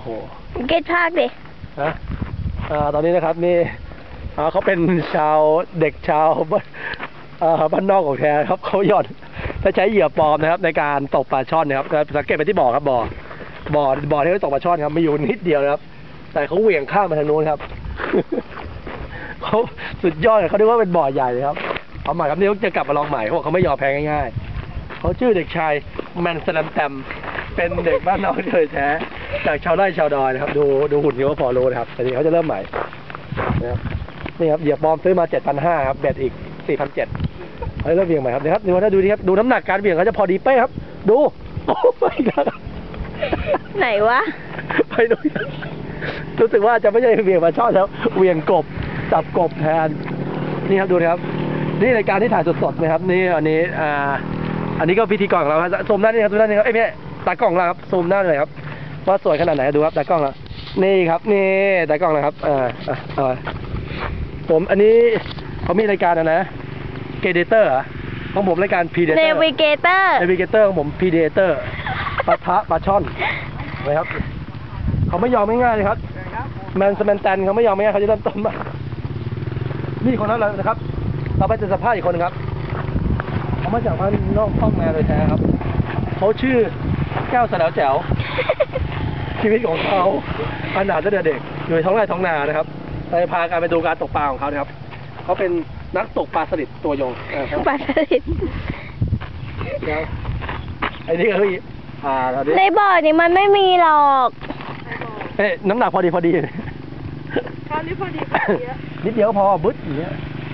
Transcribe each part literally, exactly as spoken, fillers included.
โหเกตภาคดินะอ่าตอนนี้นะครับนี่อ่าเขาเป็นชาวเด็กชาวอ่าบ้านนอกของแท้ครับเขาหย่อนถ้าใช้เหยื่อปลอมนะครับในการตกปลาช่อนนะครับสังเกตไปที่บ่อครับบ่อบ่อบ่อที่เขาตกปลาช่อนครับมีอยู่นิดเดียวนะครับแต่เขาเหวี่ยงข้ามมาทางโน้นครับ เขาสุดยอดเลยเขาเรียกว่าเป็นบ่อใหญ่เลยครับเอาใหม่ครับนี่เขาจะกลับมาลองใหม่เขาบอกเขาไม่ยอมแพ้ง่ายๆเขาชื่อเด็กชายแมนสแลมแตมเป็นเด็กบ้านนอกเลยแท้จากชาวไร่ชาวดอยนะครับดูดูหุ่นเขาก็พอรู้นะครับแต่ทีเขาจะเริ่มใหม่นะครับนี่ครับเหยื่อปลอมซื้อมาเจ็ดพันห้าครับเบ็ดอีกสี่พันเจ็ดเขาเริ่มเบี่ยงใหม่ครับนะครับดูว่าถ้าดูนี่ครับดูน้ำหนักการเบี่ยงเขาจะพอดีเป๊ะครับดูโอ้ไปแล้วไหนวะไปดูรู้สึกว่าจะไม่ใช่เบี่ยงมาช่อนแล้วเบี่ยงกบจับกบแทนนี่ครับดูนะครับนี่รายการที่ถ่ายสดๆนะครับนี่อันนี้อ่าอันนี้ก็พิธีกรของเราครับซูมหน้านี่ครับดูหน้านี่ครับเอ้ยไม่ตากล้องเราครับซูมหน้าเลยครับว่าสวยขนาดไหนดูครับตากล้องเรานี่ครับนี่ตากล้องนะครับอ่าอ่าผมอันนี้เขามีรายการนะนะเกเดเตอร์ของผมรายการพีเดเตอร์เนวิเกเตอร์เนวิเกเตอร์ของผมพีเดเตอร์ปะทะปลาช่อนนะครับเขาไม่ยอมง่ายๆเลยครับแมนสแมนแตนเขาไม่ยอมง่ายเขาจะเริ่มต้นมานี่คนนั้นเลยนะครับเราไปเจอสภาพอีกคนนึงครับเขามาจากบ้านนอกห้องแม่เลยแท้ครับเขาชื่อแก้วสะเดาแจ๋วชีวิตของเขาขนาดตั้งแต่เด็กอยู่ในท้องไร่ท้องนานะครับไปพาการไปดูการตกปลาของเขานะครับเขาเป็นนักตกปลาสลิดตัวยงปลาสลิดแล้วไอ้นี่ก็คืออ่าในบ่อนี่มันไม่มีหรอกเอ๊ะน้ำหนักพอดีพอดีข้าวนี่พอดีนิดเดียวพอบึ๊ดอย่างเงี้ย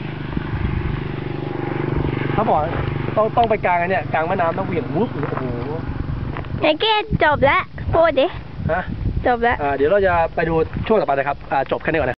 เขาบอกต้องต้องไปกลางอันเนี้ยกลางแม่น้ำต้องเหวี่ยงวุ้บโอ้โหไอ้เกดจบแล้วพูดดิฮะจบแล้วอ่าเดี๋ยวเราจะไปดูช่วงต่อไปนะครับอ่าจบแค่นี้ก่อนนะ